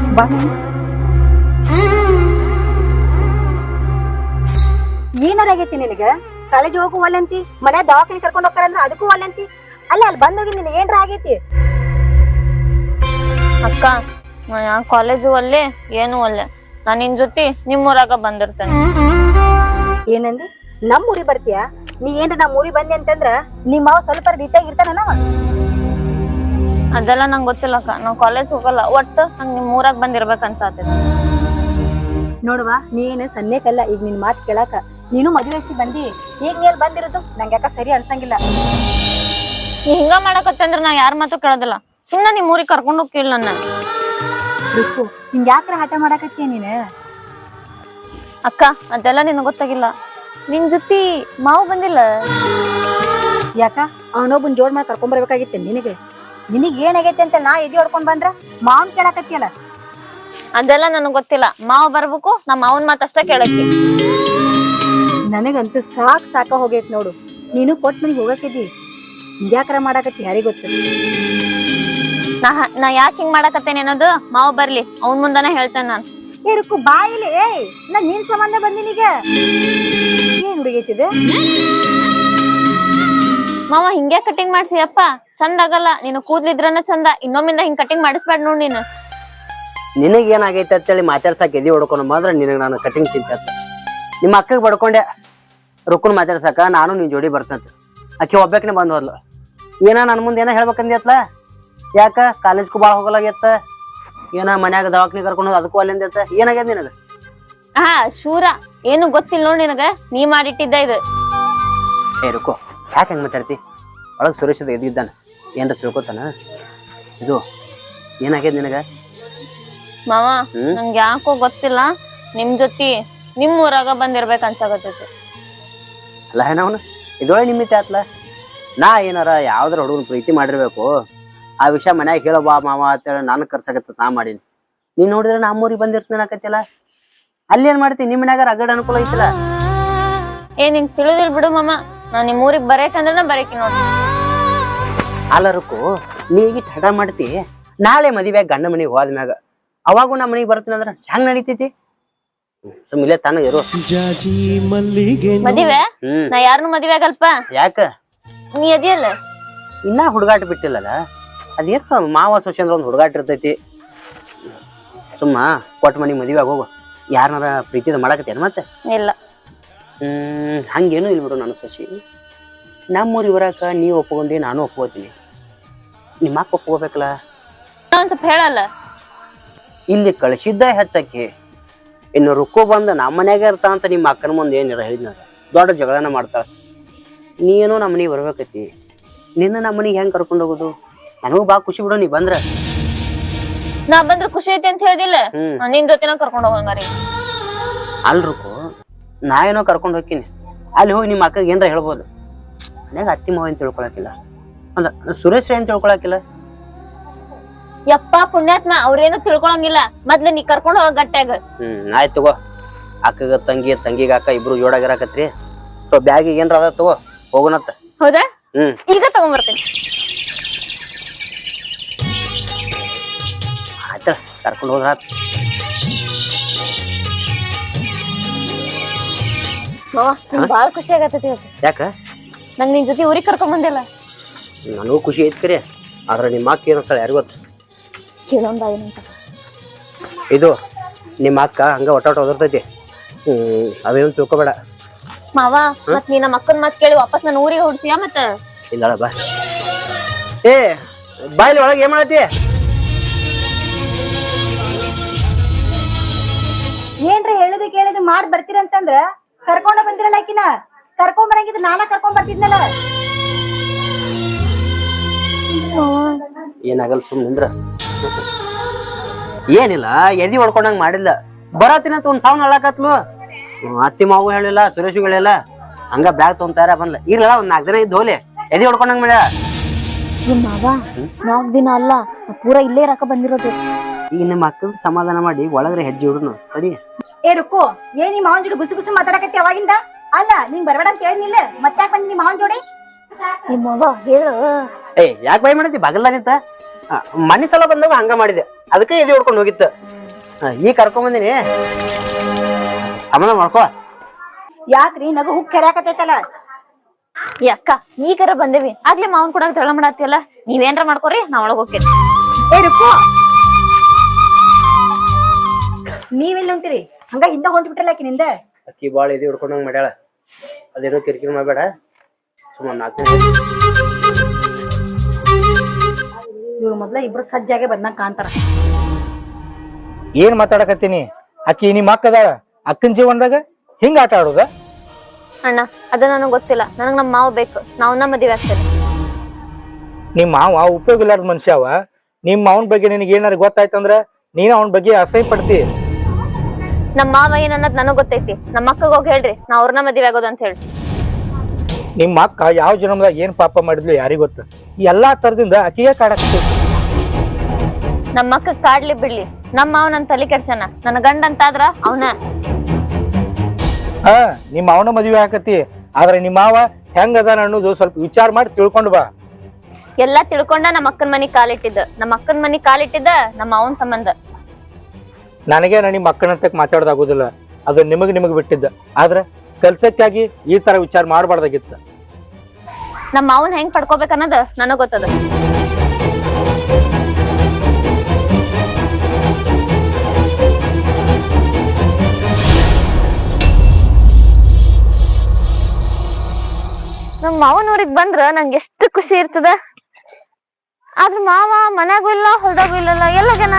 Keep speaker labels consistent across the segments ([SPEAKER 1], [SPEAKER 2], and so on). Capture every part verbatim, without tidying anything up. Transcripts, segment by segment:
[SPEAKER 1] ಬಾ. ಏನಾರ ಆಗೈತಿ ನಿನಗ? ಕಾಲೇಜ್ ಹೋಗು ಒಲ್ಲಂತಿ, ಮನೆ ದವಾಖಾನೆ ಕರ್ಕೊಂಡ್ ಹೋಗ್ತಾರಂದ್ರ ಅದಕ್ಕೂ ಒಲ್ಲಂತಿ. ಅಲ್ಲ ಅಲ್ಲಿ ಬಂದೋಗಿ ನಿನಗೆ ಏನ್ರ ಆಗೈತಿ?
[SPEAKER 2] ಅಕ್ಕ ನಾ ಕಾಲೇಜು ಒಲ್ಲೆ ಏನು ಒಲ್ಲೆ, ನಾ ನಿನ್ ಜೊತೆ ನಿಮ್ಮೂರಾಗ ಬಂದಿರ್ತೇನೆ.
[SPEAKER 1] ಏನಂದಿ? ನಮ್ ಊರಿಗೆ ಬರ್ತೀಯ? ನೀ ಏನ್ರ ನಮ್ ಊರಿಗೆ ಬಂದಿ ಅಂತಂದ್ರ ನಿಮ್ಮ ಮಾವ ಸ್ವಲ್ಪ ರೀತಿಯಾಗಿ ಇರ್ತಾನ ನಾವ.
[SPEAKER 2] ಅದೆಲ್ಲ ನಂಗೆ ಗೊತ್ತಿಲ್ಲಕ್ಕ, ನಾವ್ ಕಾಲೇಜ್ ಹೋಗಲ್ಲ. ಒಟ್ಟು ನಂಗೆ ನಿಮ್ ಊರಾಗ ಬಂದಿರ್ಬೇಕ ಅನ್ಸಾತೈತಿ.
[SPEAKER 1] ನೋಡುವ, ನೀನು ಸನ್ನೇಕಲ್ಲ ಈಗ ನಿನ್ ಮಾತು ಕೇಳಾಕ. ನೀನು ಮದುವೆ ವಯಸ್ಸಿಗೆ ಬಂದಿ, ಈಗ ನೀಲ್ ಬಂದಿರೋದು ನಂಗೆ ಯಾಕ ಸರಿ ಅನ್ಸಂಗಿಲ್ಲ.
[SPEAKER 2] ನೀ ಹಿಂಗ ಮಾಡಕತ್ತೆ ಅಂದ್ರ ನಾ ಯಾರ ಮಾತು ಕೇಳೋದಿಲ್ಲ. ಸುಮ್ಮನೆ ನಿಮ್ ಊರಿಗೆ ಕರ್ಕೊಂಡು ಹೋಗಿಲ್ಲ ನನ್ನ.
[SPEAKER 1] ಬೇಕು ಹಿಂಗ ಯಾಕ್ರ ಹಠ ಮಾಡಾಕತ್ತೀಯ ನೀನು?
[SPEAKER 2] ಅಕ್ಕ ಅದೆಲ್ಲ ನಿನಗೆ ಗೊತ್ತಾಗಿಲ್ಲ. ನಿನ್ ಜೊತೆ ಮಾವು ಬಂದಿಲ್ಲ
[SPEAKER 1] ಯಾಕ? ಅವನೊಬ್ಬನ್ ಜೋಡ್ ಮಾಡಿ ಕರ್ಕೊಂಡ್ ಬರ್ಬೇಕಾಗಿತ್ತೆ ನಿನಗೆ. ನಿನಗ್ ಏನಾಗೈತೆ ಅಂತ ನಾ ಎದಿ ಹೊಡ್ಕೊಂಡ್ ಬಂದ್ರ ಮಾವನ್ ಕೇಳಾಕತ್ತಿಯಲ್ಲ.
[SPEAKER 2] ಅದೆಲ್ಲ ನನಗ್ ಗೊತ್ತಿಲ್ಲ. ಮಾವ ಬರ್ಬೇಕು, ನಮ್ಮ ಮಾವನ್ ಮಾತಷ್ಟ ಕೇಳಕ್ಕೆ.
[SPEAKER 1] ನನಗಂತೂ ಸಾಕ್ ಸಾಕ ಹೋಗೈತ್ ನೋಡು. ನೀನು ಕೊಟ್ ಮನಿಗ್ ಹೋಗಕ್ಕಿದ್ದಿ, ಯಾಕ್ರ ಮಾಡಾಕತ್ತಿ ಯಾರಿಗ ಗೊತ್ತ.
[SPEAKER 2] ನಾ ನಾ ಯಾಕೆ ಹಿಂಗ್ ಮಾಡಾಕತ್ತೇನೆ ಅನ್ನೋದು ಮಾವ ಬರ್ಲಿ, ಅವನ್ ಮುಂದಾನೆ ಹೇಳ್ತೇನೆ ನಾನು.
[SPEAKER 1] ಏರುಕು ಬಾಯಿಲಿ. ಏಯ್ ನಾ ನಿನ್ ಸಂಬಂಧ ಬಂದಿನೀಗ. ಏನ್ ಹುಡುಗೈತಿದೆ?
[SPEAKER 2] ಮಾವ ಹಿಂಗೆ ಕಟಿಂಗ್ ಮಾಡ್ಸಿ ಅಪ್ಪ, ಚಂದ ಆಗಲ್ಲ. ನೀನು ಕೂದ್ಲಿದ್ರನ ಚಂದ, ಇನ್ನೊಮ್ಮಿಂದ ಹಿಂಗ್ ಕಟಿಂಗ್ ಮಾಡಿಸ್ಬೇಡ ನೋಡ್ ನೀನು.
[SPEAKER 3] ನಿನಗ್ ಏನಾಗೈತೆ ಅಂತೇಳಿ ಮಾತಾಡ್ಸಾಕ ಎದಿ ಹೊಡ್ಕೊಂಡು ಮಾತ್ರ ನಿನಗೆ ನಾನು ಕಟಿಂಗ್ ಚಿಂತೆ. ನಿಮ್ಮ ಅಕ್ಕಗೆ ಬಡ್ಕೊಂಡೆ ರುಕ್ಕನ್ ಮಾತಾಡ್ಸಾಕ ನಾನು ನಿನ್ ಜೋಡಿ ಬರ್ತಂತ. ಆಕೆ ಒಬ್ಬಾಕಿನೇ ಬಂದ್ ಹೋದ್ಲು. ಏನ ನನ್ನ ಮುಂದೆ ಏನೋ ಹೇಳ್ಬೇಕಂದ್ಯತ್ಲ? ಯಾಕ ಕಾಲೇಜ್ಗೂ ಭಾಳ ಹೋಗಲಾಗ್ಯತ್ತ? ಏನ ಮನ್ಯಾಗ ದವಾಖಾನೆ ಕರ್ಕೊಂಡು ಹೋದ್ ಅದಕ್ಕೂ ಅಲ್ಲಿಂದ ಏನಾಗ್ಯದ ನಿನಗ?
[SPEAKER 2] ಹಾ ಶೂರ, ಏನು ಗೊತ್ತಿಲ್ಲ ನೋಡ್ ನಿನಗ, ನೀ ಮಾಡಿಟ್ಟಿದ್ದ ಇದು.
[SPEAKER 3] ಏ ರುಕೋ, ಯಾಕೆ ಹೆಂಗ್ ಮಾತಾಡ್ತಿ? ಒಳಗೆ ಸುರೇಶದ ಎದ್ದಿದ್ದಾನ, ಏನ್ರ ತಿಳ್ಕೊತಾನ? ಇದು ಏನಾಗ್ಯದ ನಿನಗ?
[SPEAKER 2] ಮಾವ ನಂಗೆ ಯಾಕೋ ಗೊತ್ತಿಲ್ಲ, ನಿಮ್ ಜೊತೆ ನಿಮ್ ಊರಾಗ ಬಂದಿರ್ಬೇಕ ಅನ್ಸಾಕತ್ತೈತಿ.
[SPEAKER 3] ಅಲ್ಲ ಏನವನು ಇದೊಳೆ ನಿಮಿತ್ತ ಆತ್ಲ. ನಾ ಏನಾರ ಯಾವ್ದಾರ ಹುಡುಗನ ಪ್ರೀತಿ ಮಾಡಿರ್ಬೇಕು, ಆ ವಿಷಯ ಮನ್ಯಾಗ ಹೇಳೋ ಬಾ ಮಾವ ಅಂತೇಳಿ ನಾನು ಕರ್ಸಾಕತ್ತ ನಾ ಮಾಡೀನಿ. ನೀನ್ ನೋಡಿದ್ರೆ ನಮ್ಮೂರಿಗೆ ಬಂದಿರ್ತೇನೆ ಆಕತ್ತಿಲ್ಲ. ಅಲ್ಲಿ ಏನ್ ಮಾಡ್ತಿ? ನಿಮ್ ಮನ್ಯಾಗ ರಗಡ್ ಅನುಕೂಲ ಐತಿಲ್ಲ.
[SPEAKER 2] ಏ ನಿಂಗ್ ತಿಳಿದಿಲ್ ಬಿಡು ಮಾಮ, ನಾ ನಿಮ್ ಊರಿಗೆ ಬರೇಕಂದ್ರ ಬರೇಕಿ ನೋಡ್ರಿ.
[SPEAKER 3] ಅಲ್ಲರಕ್ಕೂ ನೀಗಿ ತಡ ಮಾಡ್ತಿ. ನಾಳೆ ಮದುವೆ ಗಂಡ ಮನೆಗೆ ಹೋದ್ಮ್ಯಾಗ ಅವಾಗೂ ನಮ್ಮ ಮನೆಗೆ ಬರ್ತೀನಿ ಅಂದ್ರ ಹೆಂಗ್ ನಡೀತೈತಿ? ಸುಮ್ಮಿಲೆ ತಾನ ಇರು.
[SPEAKER 2] ಮದುವೆ ನಾ ಯಾರನ್ನು ಮದುವೆ ಆಗಲ್ಪ.
[SPEAKER 3] ಯಾಕ?
[SPEAKER 2] ನೀ ಅದಿಯಲ್ಲ
[SPEAKER 3] ಇನ್ನ ಹುಡುಗಾಟ ಬಿಟ್ಟಿಲ್ಲಲ್ಲ. ಅದೇನು ಮಾವ ಸೊಸೆ ಅಂದ್ರ ಒಂದು ಹುಡುಗಾಟ ಇರ್ತೈತಿ. ಸುಮ್ಮ ಕೊಟ್ಟ ಮನಿ ಮದುವೆ ಹೋಗು. ಯಾರನಾರ ಪ್ರೀತಿದ ಮಾಡಾಕತ್ತೇನು ಮತ್ತೆ?
[SPEAKER 2] ಇಲ್ಲ.
[SPEAKER 3] ಹ್ಮ್ ಹಂಗೇನು ಇಲ್ಲ ಬಿಡು. ನನ್ನ ಸೊಸಿ ನಮ್ಮೂರಿಗೆ ಬರಾಕ ನೀವ್ ಒಪ್ಕೊಂಡಿ, ನಾನು ಒಪ್ಕೋತೀನಿ. ನಿಮ್ಮ ಅಕ್ಕ ಒಪ್ಕೋಬೇಕಲ್ಲ.
[SPEAKER 2] ಒಂದ್ ಸ್ವಲ್ಪ ಹೇಳಲ್ಲ.
[SPEAKER 3] ಇಲ್ಲಿ ಕಳಿಸಿದ್ದ ಹೆಚ್ಚಾಕಿ, ಇನ್ನು ರುಕ್ಕೋ ಬಂದ ನಮ್ಮ ಮನ್ಯಾಗ ಇರ್ತಾ ಅಂತ ನಿಮ್ಮ ಅಕ್ಕನ ಮುಂದೆ ಏನಿರ ಹೇಳಿದ್ನ ದೊಡ್ಡ ಜಗಳನ ಮಾಡ್ತಾಳ. ನೀನು ನಮ್ಮ ಮನೆಗೆ ಬರ್ಬೇಕೈತಿ. ನಿನ್ನ ನಮ್ಮ ಮನೆಗೆ ಹೆಂಗ್ ಕರ್ಕೊಂಡು ಹೋಗೋದು? ನನಗೂ ಬಾ ಖುಷಿ ಬಿಡು ನೀ ಬಂದ್ರ.
[SPEAKER 2] ನಾ ಬಂದ್ರ ಖುಷಿ ಐತಿ ಅಂತ ಹೇಳಿದಿಲ್ಲ, ನಿನ್ ಜೊತೆನ ಕರ್ಕೊಂಡ್ ಹೋಗಂಗಾರಿ.
[SPEAKER 3] ಅಲ್ರುಕು ನಾ ಏನೋ ಕರ್ಕೊಂಡು ಹೋಗ್ತೀನಿ. ಅಲ್ಲಿ ಹೋಗಿ ನಿಮ್ಮ ಅಕ್ಕಗೆ ಏನ್ರ ಹೇಳ್ಬೋದು. ಮನ್ಯಾಗ ಅತ್ತಿ ಮಾವ ಅಂತ ತಿಳ್ಕೊಳಕಿಲ್ಲ, ಅಂದ ಸುರೇಶ್ ಏನ್ ತಿಳ್ಕೊಳಕಿಲ್ಲ.
[SPEAKER 2] ಯಪ್ಪ ಪುಣ್ಯಾತ್ಮ, ಅವ್ರೇನು ತಿಳ್ಕೊಳಂಗಿಲ್ಲ. ಮೊದ್ಲು ನೀ ಕರ್ಕೊಂಡ್ ಹೋಗ ಗಟ್ಟಾಗ.
[SPEAKER 3] ಹ್ಮ್ ಆಯ್ತು ತಗೋ. ಅಕ್ಕಗ ತಂಗಿ, ತಂಗಿಗ ಅಕ್ಕ ಇಬ್ರು ಜೋಡಾಗಿರಾಕತ್ರಿ. ಬ್ಯಾಗಿಗೆ ಏನ್ರ ಅದ ತಗೋ, ಹೋಗೋಣತ್ತ.
[SPEAKER 2] ಹೌದಾ?
[SPEAKER 3] ಹ್ಮ್
[SPEAKER 2] ಈಗ ತಗೊಂಡ್ಬರ್ತೀನಿ.
[SPEAKER 3] ಆಯ್ತ ಕರ್ಕೊಂಡು ಹೋದ್ರ
[SPEAKER 2] ಬಾಳ ಖುಷಿ ಆಗತ್ತೈತಿ.
[SPEAKER 3] ಯಾಕ?
[SPEAKER 2] ನಂಗ್ ನಿನ್ ಜೊತೆ ಊರಿಗೆ ಕರ್ಕೊಂಡ್ ಬಂದಿಲ್ಲ.
[SPEAKER 3] ನನಗೂ ಖುಷಿ ಐತಿ ಕರೆ, ಆದ್ರ ನಿಮ್ಮ ಅಕ್ಕ ಏನಂತಾಳೆ ಯಾರಿಗ ಗೊತ್ತ?
[SPEAKER 2] ಕೇಳೊಂದ ಏನಂತ.
[SPEAKER 3] ಇದು ನಿಮ್ಮ ಅಕ್ಕ ಹಂಗ ಒಟ್ಟ ಒಟ್ಟ ಓದಿರ್ತೈತಿ. ಹ್ಮ್ ಅದೇನು ತಿಳ್ಕೊಬೇಡ
[SPEAKER 2] ಮಾವ. ಮತ್ ನೀ ನಮ್ಮ ಅಕ್ಕನ ಮಾತ್ ಕೇಳಿ ವಾಪಸ್ ನನ್ನ ಊರಿಗೆ ಹೊಡ್ಸಿಯಾ? ಮತ್ತ
[SPEAKER 3] ಇಲ್ಲ ಬಾ. ಏ ಬಾಯ್ಲಿ ಒಳಗೆ ಏನ್ ಮಾಡತ್ತಿ?
[SPEAKER 1] ಏನ್ರಿ ಹೇಳುದು ಕೇಳುದು ಮಾಡ್ ಬರ್ತೀರಂತಂದ್ರ ಕರ್ಕೊಂಡ ಬಂದಿರಲ್ಲ. ಆಕಿನ ಕರ್ಕೊಂಡ್ ಬರಂಗಿದ್ ನಾನ ಕರ್ಕೊಂಡ್ ಬರ್ತಿದ್ನಲ್ಲ.
[SPEAKER 3] ಏನಾಗಲ್ಲ ಸುಮ್ ನಿಂದ್ರ. ಏನಿಲ್ಲ, ಎದಿ ಹೊಡ್ಕೊಂಡಂಗ್ ಮಾಡಿಲ್ಲ. ಬರತ್ತಿನಂತ ಒಂದ್ ಸಾವನ್ ಅಳಾಕತ್ಲು. ಅತ್ತಿ ಮಾವು ಹೇಳಿಲ್ಲ, ಸುರೇಶ್ ಹೇಳಿಲ್ಲ. ಹಂಗ ಬ್ಯಾಗ್ ತಗೊಂತಾರ ಬಂದ್ಲ. ಇರ್ಲಿಲ್ಲ ಒಂದ್ ನಾಲ್ಕು ದಿನ ಇದ್ದು ಹೋಲಿ. ಎದಿ ಹೊಡ್ಕೊಂಡಂಗ್ ಮಾಡ್ಯ.
[SPEAKER 2] ಮಾವ ನಾಲ್ಕು ದಿನ ಅಲ್ಲ, ಪೂರ ಇಲ್ಲೇ ಇರಾಕ ಬಂದಿರೋದು.
[SPEAKER 3] ಈಗ ನಿಮ್ಮ ಅಕ್ಕನ ಸಮಾಧಾನ ಮಾಡಿ ಒಳಗ್ರೆ ಹೆಜ್ಜೆ ಹುಡುನು ತಡಿ.
[SPEAKER 1] ಏ ರುಕ್ಕು, ಏನ್ ನಿಮ್ಮ ಮಾವನ್ ಜೋಡಿ ಗುಸು ಗುಸು ಮಾತಾಡಕತ್ತಿ ಅವಾಗಿಂದ? ಅಲ್ಲ ನಿಂಗ್ ಬರ್ಬೇಡ ಅಂತ ಹೇಳಿನಿಲ್ಲ, ಮತ್ತ್ಯಾಕ್ ಬಂದಿ ನಿಮ್ಮ ಮಾವನ್ ಜೋಡಿ?
[SPEAKER 2] ನಿಮ್ಮ ಮಾವ ಹೇಳು.
[SPEAKER 3] ಏ ಯಾಕೆ ಬೈ ಮಾಡಿದ್ದಿ? ಬಗಲ್ದಾನಿತ್ತ ಮನಿ ಸಲ ಬಂದಾಗ ಹಂಗ ಮಾಡಿದೆ, ಅದಕ್ಕೆ ಎದಿ ಹೊಡ್ಕೊಂಡು ಹೋಗಿತ್ತು. ಈಗ ಕರ್ಕೊಂಬಂದಿನಿ ಸಮಾಧಾನ ಮಾಡ್ಕೋ.
[SPEAKER 1] ಯಾಕ್ರಿ ನಗು ಹುಕ್ ಕೆರ್ಯಾಕತೈತಲ್ಲ.
[SPEAKER 2] ಅಕ್ಕ ಈಗಾರ ಬಂದೇವಿ ಆಗ್ಲೇ ಮಾವನ್ ಕೂಡ ಜಗಳ ಮಾಡತ್ತಿಯಲ್ಲ, ನೀವೇನ್ರ ಮಾಡ್ಕೋರಿ ನಾ ಒಳಗ್ ಹೋಗ್ತೇನೆ.
[SPEAKER 1] ಏ ರುಕ್ಕು, ನೀವೆಲ್ಲಿ ಹೊಂಟಿರಿ? ಹಂಗ ಹಿಂದ ಹೊಂಟ್ ಬಿಟ್ರಲ್ಲ ಆಕಿನಿಂದ.
[SPEAKER 3] ಅಕ್ಕಿ ಬಾಳ ಇದು ಹಿಡ್ಕೊಂಡಂಗ್ ಮಾಡ್ಯಾಳ. ಅದೇನೋ ಕಿರಿಕಿರಿ ಮಾಡ್ಬೇಡ, ಸುಮ್ಮನೆ ನಾಲ್ಕು
[SPEAKER 1] ಇವ್ರು ಮೊದ್ಲ ಇಬ್ರು ಸಜ್ಜಾಗೆ ಬಂದಂಗ ಕಾಣ್ತಾರ.
[SPEAKER 4] ಏನ್ ಮಾತಾಡಕತ್ತೀನಿ? ಅಕ್ಕಿ ನಿಮ್ಮ ಅಕ್ಕ ಅದಾಳ, ಅಕ್ಕನ ಜೀವನದಾಗ ಹಿಂಗ ಆಟ ಆಡೋದ?
[SPEAKER 2] ಅಣ್ಣ ಅದ ನನಗ್ ಗೊತ್ತಿಲ್ಲ, ನನಗ್ ನಮ್ ಮಾವ ಬೇಕು, ನಾವ್ನ ಮದ್ವೆ ಆಗ್ತೇನೆ.
[SPEAKER 4] ನಿಮ್ಮ ಮಾವ ಉಪಯೋಗ ಇಲ್ಲಾರ್ದ ಮನುಷ್ಯ ಅವ. ನಿಮ್ಮ ಅವನ ಬಗ್ಗೆ ನಿನಗೆ ಏನಾರ ಗೊತ್ತಾಯ್ತಂದ್ರ ನೀನು ಅವನ ಬಗ್ಗೆ ಅಸಹ್ಯ ಪಡ್ತಿ.
[SPEAKER 2] ನಮ್ ಮಾವ ಏನನ್ನದ್ ನನಗ್ ಗೊತ್ತೈತಿ, ನಮ್ಮ ಅಕ್ಕಗ ಹೋಗಿ ಹೇಳ್ರಿ ನಾ ಅವ್ರನ್ನ ಮದ್ವೆ ಆಗೋದು ಅಂತ ಹೇಳಿ.
[SPEAKER 4] ನಿಮ್ಮ ಅಕ್ಕ ಯಾವ ಜನ್ಮದಾಗ ಏನ್ ಪಾಪ ಮಾಡಿದ್ಲು ಯಾರಿಗ ಗೊತ್ತ. ಈ ಎಲ್ಲಾ ತರದಿಂದ ಅಕ್ಕಿಗೆ ಕಾಡಾಕ್ತಿ.
[SPEAKER 2] ನಮ್ಮ ಅಕ್ಕ ಕಾಡ್ಲಿ ಬಿಡ್ಲಿ, ನಮ್ಮ ಮಾವ ನನ್ ತಲೆ ಕೆಡ್ಸನ, ನನ್ನ ಗಂಡ ಅಂತಾದ್ರ ಅವನ.
[SPEAKER 4] ಹಾ ನಿಮ್ಮ ಅವನ ಮದ್ವೆ ಹಾಕತಿ, ಆದ್ರೆ ನಿಮ್ಮ ಮಾವ ಹೆಂಗ ಅದಾನ ಅನ್ನೋದು ಸ್ವಲ್ಪ ವಿಚಾರ ಮಾಡಿ ತಿಳ್ಕೊಂಡು ಬಾ.
[SPEAKER 2] ಎಲ್ಲಾ ತಿಳ್ಕೊಂಡ ನಮ್ಮ ಅಕ್ಕನ ಮನಿ ಕಾಲಿಟ್ಟಿದ್ದ, ನಮ್ಮ ಅಕ್ಕನ ಮನಿ ಕಾಲಿಟ್ಟಿದ್ದ ನಮ್ಮ ಅವನ್ ಸಂಬಂಧ.
[SPEAKER 4] ನನಗೆ ನಿಮ್ಮ ಅಕ್ಕನಂತಕ್ ಮಾತಾಡೋದಾಗುದಿಲ್ಲ, ಅದು ನಿಮಗ್ ನಿಮಗ್ ಬಿಟ್ಟಿದ್ದ. ಆದ್ರ ಕಲ್ತಕ್ಕಾಗಿ ಈ ತರ ವಿಚಾರ ಮಾಡಬಾರ್ದಾಗಿತ್ತ.
[SPEAKER 2] ನಮ್ಮ ಮಾವನ್ ಹೆಂಗ್ ಪಡ್ಕೋಬೇಕನ್ನೋದು ನನಗ್ ಗೊತ್ತದ. ನಮ್ ಮಾವನ್ ಊರಿಗ್ ಬಂದ್ರ ನಂಗೆ ಎಷ್ಟು ಖುಷಿ ಇರ್ತದ. ಆದ್ರ ಮಾವ ಮನ್ಯಾಗೂ ಇಲ್ಲ ಹೊಲ್ದಾಗೂ ಇಲ್ಲಲ್ಲ, ಎಲ್ಲೋಗ್ಯಾನ?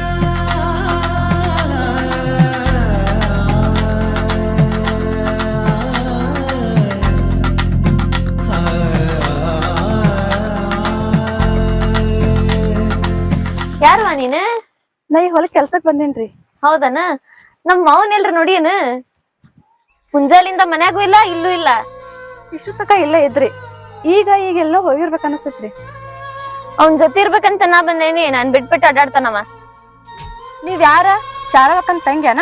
[SPEAKER 2] ಯಾರವ ನೀನ್?
[SPEAKER 1] ನಾ ಈ ಹೊಲಕ್ ಕೆಲ್ಸಕ್ ಬಂದೇನ್ರಿ.
[SPEAKER 2] ಹೌದನ? ನಮ್ ಮಾವನ್ ಎಲ್ರ ನೋಡಿಯೇನ? ಮುಂಜಾಲಿಂದ ಮನ್ಯಾಗೂ ಇಲ್ಲ ಇಲ್ಲೂ ಇಲ್ಲ.
[SPEAKER 1] ಇಷ್ಟು ತಕ ಇಲ್ಲೇ ಇದ್ರಿ, ಈಗ ಈಗ ಎಲ್ಲೋ ಹೋಗಿರ್ಬೇಕ ಅನಸ್ತೈತ್ರಿ.
[SPEAKER 2] ಅವನ್ ಜೊತೆ ಇರ್ಬೇಕಂತ ನಾ ಬಂದೇನಿ, ನಾನ್ ಬಿಟ್ಬಿಟ್ಟು ಅಡ್ಡಾಡ್ತಾನವ.
[SPEAKER 1] ನೀವ್ ಯಾರ? ಶಾರವಕ್ಕನ್ ತಂಗ್ಯಾನ?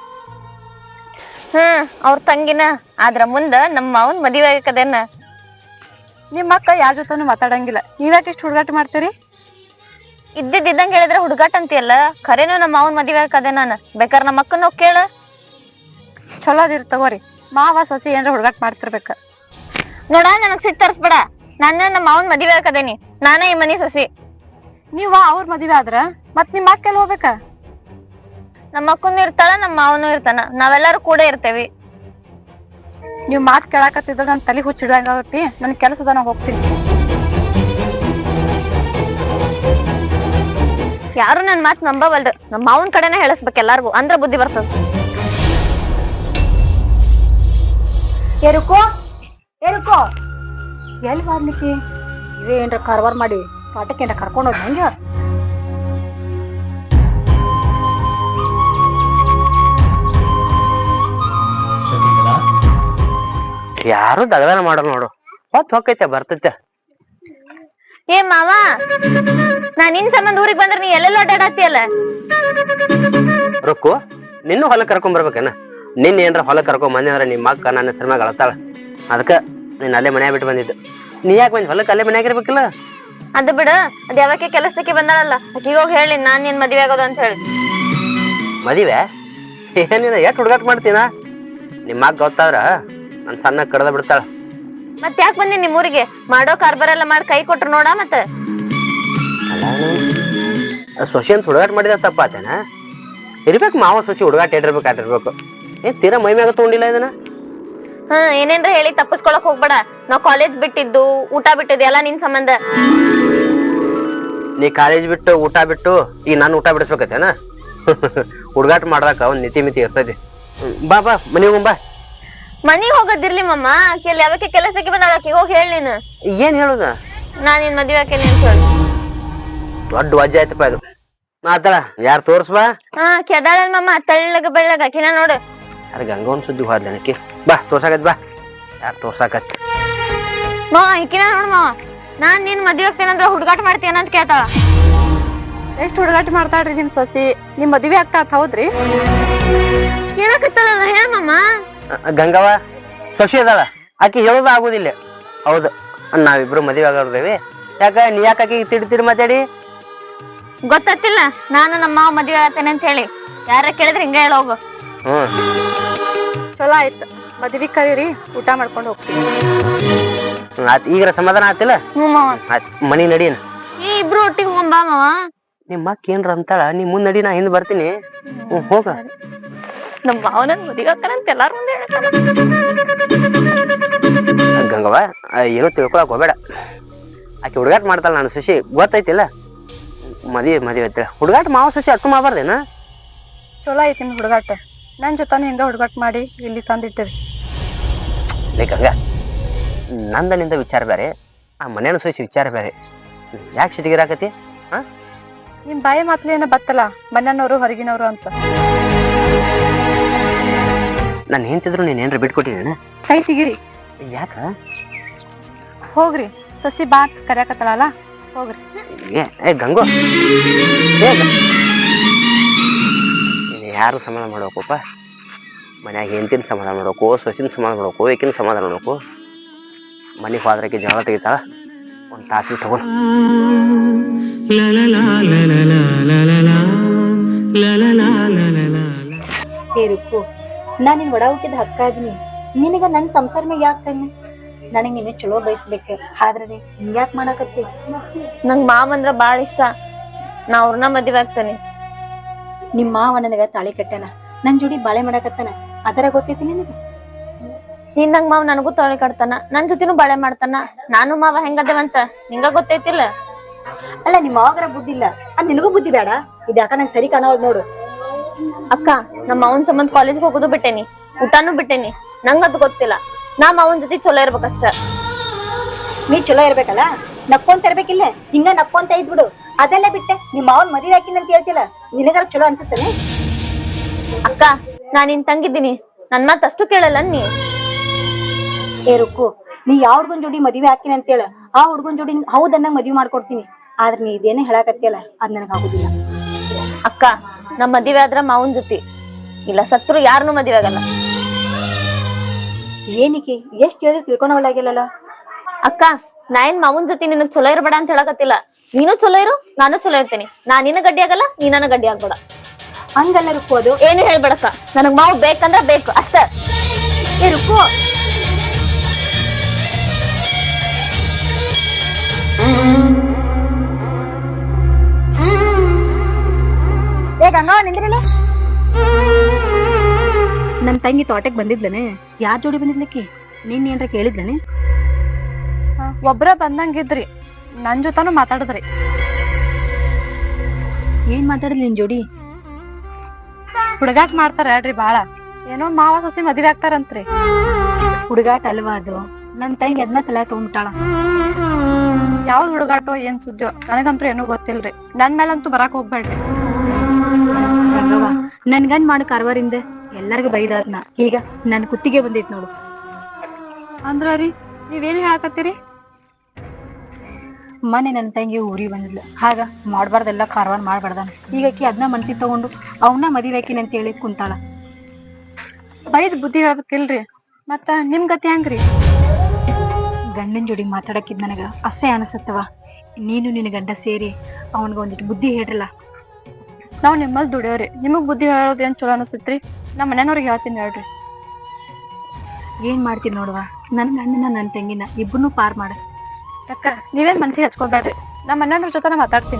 [SPEAKER 2] ಹ್ಮ್ ಅವ್ರ ತಂಗಿನ, ಆದ್ರ ಮುಂದ ನಮ್ಮ ಮಾವನ್ ಮದುವೆ ಆಗಕದೇನ.
[SPEAKER 1] ನಿಮ್ಮ ಅಕ್ಕ ಯಾರ ಜೊತೆನೂ ಮಾತಾಡಂಗಿಲ್ಲ, ನೀವ್ಯಾಕೆ ಇಷ್ಟು ಹುಡುಗಾಟ ಮಾಡ್ತೀರಿ?
[SPEAKER 2] ಇದ್ದಿದ್ ಇದ್ದಂಗ ಹೇಳಿದ್ರೆ ಹುಡುಗಾಟ ಅಂತೀಯಲ್ಲ, ಖರೇನು ನಮ್ಮ ಮಾವನ್ ಮದುವೆ ಆಗಕದೆ ನಾನು. ಬೇಕಾರ್ ನಮ್ಮ ಅಕ್ಕನ ಹೋಗ್ ಕೇಳ.
[SPEAKER 1] ಚಲೋ ಅದಿರ್ ತಗೋರಿ, ಮಾವ ಸಸಿ ಏನ್ರ ಹುಡುಗಾಟ ಮಾಡ್ತಿರ್ಬೇಕ.
[SPEAKER 2] ನೋಡ ನನಗ್ ಸಿಟ್ ತರ್ಸ್ಬೇಡ, ನಾನು ನಮ್ಮ ಮಾವನ್ ಮದುವೆ ಆಗಕದೇನಿ, ನಾನ ಈ ಮನಿ ಸೊಸಿ.
[SPEAKER 1] ನೀವ ಅವ್ರ ಮದ್ವೆ ಆದ್ರ ಮತ್ ನಿಮ್ ಅಕ್ಕ ಎಲ್ಲಿ ಹೋಗ್ಬೇಕ?
[SPEAKER 2] ನಮ್ಮ ಅಕ್ಕನು ಇರ್ತಾಳ, ನಮ್ಮ ಮಾವನು ಇರ್ತಾನ, ನಾವೆಲ್ಲರೂ ಕೂಡ ಇರ್ತೇವಿ.
[SPEAKER 1] ನೀವ್ ಮಾತ್ ಕೇಳಾಕತ್ತಿದ್ರ ನನ್ ತಲೆ ಹುಚ್ಚಿಡಂಗಾಗತ್ತಿ. ನನ್ ಕೆಲಸದ ನಾ ಹೋಗ್ತೀನಿ.
[SPEAKER 2] ಯಾರು ನನ್ ಮಾತ್ ನಂಬವಲ್ರು, ನಮ್ಮ ಮಾವನ್ ಕಡೆನ ಹೇಳಿಸ್ಬೇಕು ಎಲ್ಲಾರ್ಗು, ಅಂದ್ರ ಬುದ್ಧಿ ಬರ್ತದ.
[SPEAKER 1] ಏರುಕೋ ಏರುಕೋ ಎಲ್ಲಿ ಮಾಡ್ಲಿಕ್ಕೆ? ಇವೇ ಏನ್ರ ಕಾರ್ವಾರ ಮಾಡಿ ಪಾಠಕ್ಕೆ ಏನ್ರ ಕರ್ಕೊಂಡು ಹೋದ್ ಹೆಂಗ?
[SPEAKER 3] ಯಾರು ದಗದಾನ ಮಾಡೋರು ನೋಡು, ಹೊತ್ತು ಹೊಕ್ಕೈತೆ ಬರ್ತೈತೆ.
[SPEAKER 2] ಏ ಮಾವ, ನಾ ನಿನ್ ಸಂಬಂಧ ಊರಿಗೆ ಬಂದ್ರ ನೀ ಎಲ್ಲೆಲ್ಲ ಓಡಾಡತ್ತಿಯಲ್ಲ.
[SPEAKER 3] ರೊಕ್ಕು ನಿನ್ನೂ ಹೊಲಕ್ಕೆ ಕರ್ಕೊಂಡ್ ಬರ್ಬೇಕೇನ? ನಿನ್ನ ಏನ್ರ ಹೊಲಕ್ಕೆ ಕರ್ಕೊಂಡ್ ಬಂದಿ ಅಂದ್ರೆ ನಿಮ್ಮ ಅಕ್ಕ ನನ್ನ ಹೆಸರು ಮ್ಯಾಗ ಅಳತಾಳ. ಅದಕ್ಕ ನೀನ್ ಅಲ್ಲೇ ಮನ್ಯಾಗ ಬಿಟ್ಟು ಬಂದಿದ್ದು. ನೀ ಯಾಕೆ ಬಂದಿ ಹೊಲಕ್ಕೆ? ಅಲ್ಲೇ ಮನ್ಯಾಗ ಇರ್ಬೇಕಿಲ್ಲ?
[SPEAKER 2] ಅದು ಬಿಡ, ಅದ್ ಯಾವಕ್ಕೆ ಕೆಲಸಕ್ಕೆ ಬಂದಾಳಲ್ಲ, ಆಕಿಗ ಹೋಗಿ ಹೇಳಿ ನಾನ್ ನಿನ್ ಮದ್ವೆ ಆಗೋದು ಅಂತ ಹೇಳಿ.
[SPEAKER 3] ಮದಿವೆ ಏನಿಲ್ಲ, ಎಷ್ಟು ಹುಡುಗಾಟ ಮಾಡ್ತೀನ? ನಿಮ್ಮ ಅಕ್ಕ ಗೊತ್ತಾದ್ರ ನನ್ ಸಣ್ಣ ಕಡ್ದ ಬಿಡ್ತಾಳ.
[SPEAKER 2] ಮತ್ ಯಾಕೆ ಬಂದಿ ನಿಮ್ ಊರಿಗೆ? ಮಾಡೋ ಕಾರ್ಬಾರ ಎಲ್ಲ ಮಾಡಿ ಕೈ ಕೊಟ್ರು ನೋಡ. ಮತ್ತ
[SPEAKER 3] ಸೊಸಿ ಅಂತ ಹುಡುಗಾಟ ಮಾಡಿದ ತಪ್ಪ ಆತೇನ? ಇರ್ಬೇಕು ಮಾವ ಸೊಸಿ ಹುಡುಗಾಟ ಇಟ್ಟಿರ್ಬೇಕು ಆಟಿರ್ಬೇಕು. ಏನ್ ತೀರಾ ಮೈ ಮ್ಯಾಗ ತಗೊಂಡಿಲ್ಲ ಇದನ್ನ?
[SPEAKER 2] ಹ್ಮ್ ಏನೇನ್ರ ಹೇಳಿ ತಪ್ಪಿಸ್ಕೊಳಕ್ ಹೋಗ್ಬೇಡ. ನಾವ್ ಕಾಲೇಜ್ ಬಿಟ್ಟಿದ್ದು, ಊಟ ಬಿಟ್ಟಿದ್ದು ಎಲ್ಲ ನಿನ್ ಸಂಬಂಧ.
[SPEAKER 3] ನೀ ಕಾಲೇಜ್ ಬಿಟ್ಟು ಊಟ ಬಿಟ್ಟು ಈಗ ನಾನು ಊಟ ಬಿಡಿಸ್ಬೇಕತ್ತೇನ? ಹುಡುಗಾಟ ಮಾಡ್ದಾಕ ಒಂದ್ ನೀತಿ ಮಿತಿ ಇರ್ತೈತಿ. ಬಾ ಬಾ ಮನಿಗ್ ಹೋಗ್ ಬಾ.
[SPEAKER 2] ಮನಿಗ್ ಹೋಗೋದಿರ್ಲಿ ಮಮ್ಮ, ಕೆಲ್ ಯಾವಕ್ಕೆ ಕೆಲಸಕ್ಕೆ ಬಂದಾಳ, ಆಕಿಗೆ ಹೋಗಿ ಹೇಳಿ ನೀನು.
[SPEAKER 3] ಏನ್ ಹೇಳುದ?
[SPEAKER 2] ನಾನ್ ನಿನ್ ಮದ್ವೆ ಆಕೇನಿ ಅಂತ ಹೇಳಿ.
[SPEAKER 3] ದೊಡ್ಡ ವಜ್ಜೆ ಆಯ್ತಪ್ಪ ಇದು. ಮಾತಾಡ ಯಾರು ತೋರ್ಸ್ಬಾ.
[SPEAKER 2] ಹಾ ಕೆದಾಳಲ್ ಮಮ್ಮ, ತಳ್ಳಗ ಬೆಳ್ಳಗ ಆಕಿನ ನೋಡು.
[SPEAKER 3] ಅದ ಗಂಗೋನ್ ಸುದ್ದಿ ಹೋದ್ಲ ನನಕಿ. ಬಾ ತೋರ್ಸಾಕತ್ ಬಾ. ಯಾರು ತೋರ್ಸಾಕತ್?
[SPEAKER 2] ಮಾವ ಈಕಿನ ನೋಡ್ ಮಾವ, ನಾನ್ ನಿನ್ ಮದ್ವೆ ಆಗ್ತೇನಂದ್ರ ಹುಡುಗಾಟ ಮಾಡ್ತೇನ ಅಂತ ಕೇಳ್ತಾಳ.
[SPEAKER 1] ಎಷ್ಟ್ ಹುಡುಗಾಟ ಮಾಡ್ತಾಳ್ರಿ ನಿಮ್ ಸೊಸಿ? ನಿಮ್ ಮದ್ವೆ ಆಗ್ತಾಳ ಹೌದ್ರಿ?
[SPEAKER 2] ಕೇಳಕತ್ತಲ್ಲ ಹೇಳಮ್ಮ.
[SPEAKER 3] ಗಂಗವ್ವ ಸೊಸಿ ಅದಾಳ, ಆಕಿ ಹೇಳೋದು ಆಗುದಿಲ್ಲ. ಹೌದು, ನಾವಿಬ್ರು ಮದುವೆ ಆಗೋರ್ದೇವಿ. ಯಾಕ ನೀ ಯಾಕೆ ಆಕಿ ತಿಡಿ ತಿಡಿ ಮಾತಾಡಿ?
[SPEAKER 2] ಗೊತ್ತಿಲ್ಲ ನಾನು ನಮ್ಮ ಮಾವ ಮದ್ವೆ ಆಗತ್ತೇನೆ ಅಂತ ಹೇಳಿ ಯಾರ ಕೇಳಿದ್ರೆ ಹಿಂಗ ಹೇಳೋಗು.
[SPEAKER 3] ಹ್ಮ್
[SPEAKER 1] ಚಲೋ ಆಯ್ತು, ಮದ್ವಿ ಕರೀರಿ, ಊಟ ಮಾಡ್ಕೊಂಡು ಹೋಗ್ತೀವಿ.
[SPEAKER 3] ಆತ್ ಈಗ್ರ ಸಮಾಧಾನ ಆತಿಲ್ಲ?
[SPEAKER 2] ಹ್ಞೂ ಮಾವ.
[SPEAKER 3] ಆತ್ ಮನಿ ನಡೀನ.
[SPEAKER 2] ಈ ಇಬ್ರು ಒಟ್ಟಿಗೆ ಹೋಗಂಬಾ ಮಾವ.
[SPEAKER 3] ನಿಮ್ಮ ಅಕ್ಕ ಏನ್ರ ಅಂತಾಳ, ನೀ ಮುಂದ್ ನಡಿ, ನಾ ಹಿಂದ್ ಬರ್ತೀನಿ. ಹ್ಮ್ ಹೋಗ.
[SPEAKER 2] ನಮ್ಮ ಮಾವ ನನ್ ಮದ್ವೆ ಆಗ್ತಾನಂತ ಎಲ್ಲಾರು ಮುಂದೆ ಹೇಳ್ತಾನ.
[SPEAKER 3] ಗಂಗವ್ವ ಏನೋ ತಿಳ್ಕೊಳಕ್ ಹೋಗ್ಬೇಡ. ಆಕೆ ಹುಡುಗಾಟ ಮಾಡ್ತಾಳ, ನಾನು ಶಶಿ ಗೊತ್ತೈತಿಲ್ಲ. ಮದ್ವಿ ಮದ್ವಿ ಐತಿ ಹುಡುಗಾಟ ಮಾವ ಶಶಿ ಅಟ್ಟು ಮಾಡಬಾರ್ದೇನ?
[SPEAKER 1] ಚಲೋ ಐತಿ ನಿಮ್ ಹುಡುಗಾಟ. ನನ್ ಜೊತಾನು ಹಿಂಗ ಹುಡುಗಾಟ ಮಾಡಿ ಇಲ್ಲಿ ತಂದಿಟ್ಟಿರಿ.
[SPEAKER 3] ಗಂಗ, ನಂದ ನಿಂದ ವಿಚಾರ ಬೇರೆ, ಆ ಮನೇನ ಶಶಿ ವಿಚಾರ ಬೇರೆ. ಯಾಕೆ ಸಿಟಿಗಿರಾಕತಿ? ಹಾ
[SPEAKER 1] ನಿಮ್ ಬಾಯಿ ಮಾತ್ಲಿ ಏನೋ ಬತ್ತಲ್ಲ, ಮನೆಯವ್ರು ಹೊರಗಿನವ್ರು ಅಂತ.
[SPEAKER 3] ನಾನು ಹೆಂತಿದ್ರು ನೀನ್ ಏನ್ರ ಬಿಟ್ಕೊಟ್ಟಿನ?
[SPEAKER 1] ಕೈ ತೆಗಿರಿ.
[SPEAKER 3] ಯಾಕ?
[SPEAKER 1] ಹೋಗ್ರಿ, ಸಸಿ ಬಾ ಕರ್ಯಾಕತ್ತಲ್ಲ, ಹೋಗ್ರಿ.
[SPEAKER 3] ಏ ಏ ಗಂಗು, ಏ ಯಾರು ಸಮಾಧಾನ ಮಾಡ್ಬೇಕಪ್ಪ. ಮನ್ಯಾಗ ಹೆಂತಿನ ಸಮಾಧಾನ ಮಾಡ್ಬೇಕು, ಸೊಸಿನ ಸಮಾಧಾನ ಮಾಡ್ಬೇಕು, ಏಕಿನ ಸಮಾಧಾನ ಮಾಡ್ಬೇಕು. ಮನೆಗೆ ಹೋದ್ರಕ್ಕೆ ಜಗಳ ತೆಗಿತಾಳ, ಒಂದು ತಾಸಿಗೆ ತಗೊಂಡು.
[SPEAKER 1] ಏ ರುಕ್ಕು, ನಾನ್ ನಿನ್ ಒಡ ಹುಟ್ಟಿದ ಹಕ್ಕ ಇದೀನಿ. ನಿನಗ ನನ್ ಸಂಸಾರ ಮ್ಯಾಗ ಯಾಕ ಕಣ್ಣು? ನನಗ್ ನೀನು ಚಲೋ ಬಯಸ್ಬೇಕ, ಆದ್ರೆ ಹಿಂಗ್ಯಾಕ್ ಮಾಡಾಕತ್ತಿ?
[SPEAKER 2] ನಂಗ್ ಮಾವ ಅಂದ್ರ ಬಾಳ ಇಷ್ಟ, ನಾ ಅವ್ರನ್ನ ಮದ್ವೆ ಆಗ್ತಾನೆ.
[SPEAKER 1] ನಿಮ್ ಮಾವ ನನಗ ತಾಳಿ ಕಟ್ಟಾನ, ನನ್ ಜೋಡಿ ಬಾಳೆ ಮಾಡಾಕತ್ತಾನ, ಅದರ ಗೊತ್ತೈತಿ ನಿನಗ?
[SPEAKER 2] ನೀನ್ ನಂಗ್ ಮಾವ ನನಗೂ ತಾಳಿ ಕಟ್ತಾನ, ನನ್ ಜೊತೆನೂ ಬಾಳೆ ಮಾಡ್ತಾನ. ನಾನು ಮಾವ ಹೆಂಗದೇವಂತ ನಿಂಗ ಗೊತ್ತೈತಿಲ್ಲ?
[SPEAKER 1] ಅಲ್ಲ, ನಿಮ್ ಮಾವಗರ ಬುದ್ಧಿ ಇಲ್ಲ, ಅದ್ ನಿನಗೂ ಬುದ್ಧಿ ಬೇಡ? ಇದ್ಯಾಕ ನಂಗೆ ಸರಿ ಕಾಣವಲ್ ನೋಡು.
[SPEAKER 2] ಅಕ್ಕ, ನಮ್ಮ ಅವನ್ ಸಂಬಂಧ ಕಾಲೇಜ್ಗೆ ಹೋಗೋದು ಬಿಟ್ಟೇನಿ, ಊಟಾನು ಬಿಟ್ಟೇನಿ. ನಂಗದ್ ಗೊತ್ತಿಲ್ಲ, ನಾ ಮಾವನ್ ಜೊತೆ ಚಲೋ ಇರ್ಬೇಕಷ್ಟ.
[SPEAKER 1] ನೀ ಚಲೋ ಇರ್ಬೇಕಲ್ಲ, ನಕ್ಕೊಂತ ಇರ್ಬೇಕಿಲ್ಲ, ಹಿಂಗ ನಕ್ಕೊಂತ ಇದ್ಬಿಡು. ಅದೆಲ್ಲ ಬಿಟ್ಟೆ ನಿಮ್ ಮಾವನ್ ಮದುವೆ ಹಾಕಿನ ಅಂತ ಹೇಳ್ತಿಲ್ಲ, ನಿನಗಾರ ಚಲೋ ಅನ್ಸುತ್ತಾನೆ?
[SPEAKER 2] ಅಕ್ಕ, ನಾ ನಿನ್ ತಂಗಿದ್ದೀನಿ, ನನ್ ಮಾತ್ ಅಷ್ಟು ಕೇಳಲ್ಲ ನೀ.
[SPEAKER 1] ಏ ರುಕ್ಕು, ನೀ ಯಾವ ಹುಡ್ಗನ್ ಜೋಡಿ ಮದ್ವೆ ಹಾಕಿನ ಅಂತೇಳ, ಆ ಹುಡ್ಗನ್ ಜೋಡಿ ಹೌದನ್ನ ಮದ್ವಿ ಮಾಡ್ಕೊಡ್ತೀನಿ. ಆದ್ರೆ ನೀ ಇದೇನೇ ಹೇಳಾಕತ್ತಿಯಲ್ಲ, ಅದ್ ನನಗ್ ಆಗುದಿಲ್ಲ.
[SPEAKER 2] ಅಕ್ಕ, ನಮ್ ಮದ್ವೆ ಆದ್ರ ಮಾವನ್ ಜೊತೆ, ಇಲ್ಲ ಸತ್ರು ಯಾರನು ಮದ್ವೆ ಆಗಲ್ಲ.
[SPEAKER 1] ಏನಿಕೆ ಎಷ್ಟ್ ಹೇಳಿದ್ರು ತಿಳ್ಕೊಳವಲ್ಲಾಗಿಲ್ಲಲ್ಲ.
[SPEAKER 2] ಅಕ್ಕ, ನಾ ಏನ್ ಮಾವನ್ ಜೊತೆ ನಿನಗ್ ಚಲೋ ಇರ್ಬೇಡ ಅಂತ ಹೇಳಕತ್ತಿಲ್ಲ. ನೀನು ಚಲೋ ಇರು, ನಾನು ಚಲೋ ಇರ್ತೇನಿ. ನಾ ನಿನ್ನ ಗಡ್ಡಿ ಆಗಲ್ಲ, ನೀ ನನ್ನ ಗಡ್ಡಿ ಆಗ್ಬೇಡ.
[SPEAKER 1] ಹಂಗಲ್ಲ ರುಕ್ಕು, ಅದು
[SPEAKER 2] ಏನು ಹೇಳ್ಬೇಡಕ್ಕ, ನನಗ್ ಮಾವು ಬೇಕಂದ್ರ ಬೇಕು ಅಷ್ಟ.
[SPEAKER 1] ಏ ರುಕ್ಕು, ಏ ಗಂಗವ್ವ ನಿಂದ್ರಿಲ್ಲ. ನನ್ ತಂಗಿ ತೋಟಕ್ ಬಂದಿದ್ಲನೆ? ಯಾರ್ ಜೋಡಿ ಬಂದಿದ್ಲಕ್ಕಿ? ನೀನ್ ಏನ್ರ ಕೇಳಿದ್ಲನೆ? ಒಬ್ರ ಬಂದಂಗಿದ್ರಿ, ನನ್ ಜೊತಾನು ಮಾತಾಡಿದ್ರಿ. ಏನ್ ಮಾತಾಡಿದ್ಲಿ ನಿನ್ ಜೋಡಿ? ಹುಡುಗಾಟ ಮಾಡ್ತಾರ ಹೇಳ್ರಿ ಬಾಳ, ಏನೋ ಮಾವ ಸೊಸಿ ಮದ್ವೆ ಆಗ್ತಾರಂತ್ರಿ. ಹುಡುಗಾಟ ಅಲ್ವಾ ಅದು? ನನ್ ತಂಗಿ ಅದನ್ನ ತಲೆ ತಗೊಂಡ್ಬಿಟ್ಟಾಳ. ಯಾವ್ದ್ ಹುಡುಗಾಟೋ ಏನ್ ಸುದ್ದಿಯೋ ನನಗಂತೂ ಏನೂ ಗೊತ್ತಿಲ್ರಿ. ನನ್ ಮೇಲಂತೂ ಬರಾಕ್ ಹೋಗ್ಬೇಡ್ರಿ. ನನ್ ಗಂಡ್ ಮಾಡ ಕಾರ್ವಾರಿಂದ ಎಲ್ಲರಿಗೂ ಬೈದಾದ್ನ, ಈಗ ನನ್ ಕುತ್ತಿಗೆ ಬಂದೈತ್ ನೋಡು. ಅಂದ್ರ ರೀ ನೀವೇನ್ ಹೇಳಕತ್ತೀರಿ? ಮನೆ ನನ್ ತಂಗಿ ಊರಿಗೆ ಬಂದಿದ್ಲು, ಹಾಗ ಮಾಡ್ಬಾರ್ದೆಲ್ಲ ಕಾರ್ವಾರ ಮಾಡ್ಬಾರ್ದಾನ. ಈಗ ಅಕ್ಕಿ ಅದನ್ನ ಮನ್ಸಿಗೆ ತಗೊಂಡು ಅವನ್ನ ಮದುವೆ ಹಾಕಿನ ಅಂತ ಹೇಳಿ ಕುಂತಾಳ. ಬೈದ್ ಬುದ್ಧಿ ಹೇಳ್ಬೇಕಿಲ್ರಿ, ಮತ್ತ ನಿಮ್ ಗತಿ ಹೆಂಗ್ರಿ? ಗಂಡನ ಜೋಡಿ ಮಾತಾಡಕ್ಕಿದ್ ನನಗ ಅಸಹ್ಯ ಅನಸತ್ತವ. ನೀನು ನಿನ್ನ ಗಂಡ ಸೇರಿ ಅವನ್ಗ ಒಂದಿಟ್ಟು ಬುದ್ಧಿ ಹೇಳ್ರಲ್ಲ. ನಾವ್ ನಿಮ್ಮಲ್ಲಿ ದುಡಿಯೋರಿ, ನಿಮಗ್ ಬುದ್ಧಿ ಹೇಳೋದ್ ಏನ್ ಚಲೋ ಅನಸತ್ರಿ? ನಮ್ಮ ಮನೆಯವ್ರಿಗೆ ಹೇಳ್ತೀನಿ ಹೇಳ್ರಿ. ಏನ್ ಮಾಡ್ತೀನಿ ನೋಡುವ, ನನ್ ಗಂಡನ ನನ್ ತಂಗಿನ ಇಬ್ಬರನ್ನೂ ಪಾರ್ ಮಾಡ. ಅಕ್ಕ, ನೀವೇನ್ ಮನ್ಸಿಗೆ ಹಚ್ಕೊಬೇಡ್ರಿ, ನಮ್ಮ ಮನೆಯವ್ರ ಜೊತೆ ನಾ ಮಾತಾಡ್ತೀನಿ.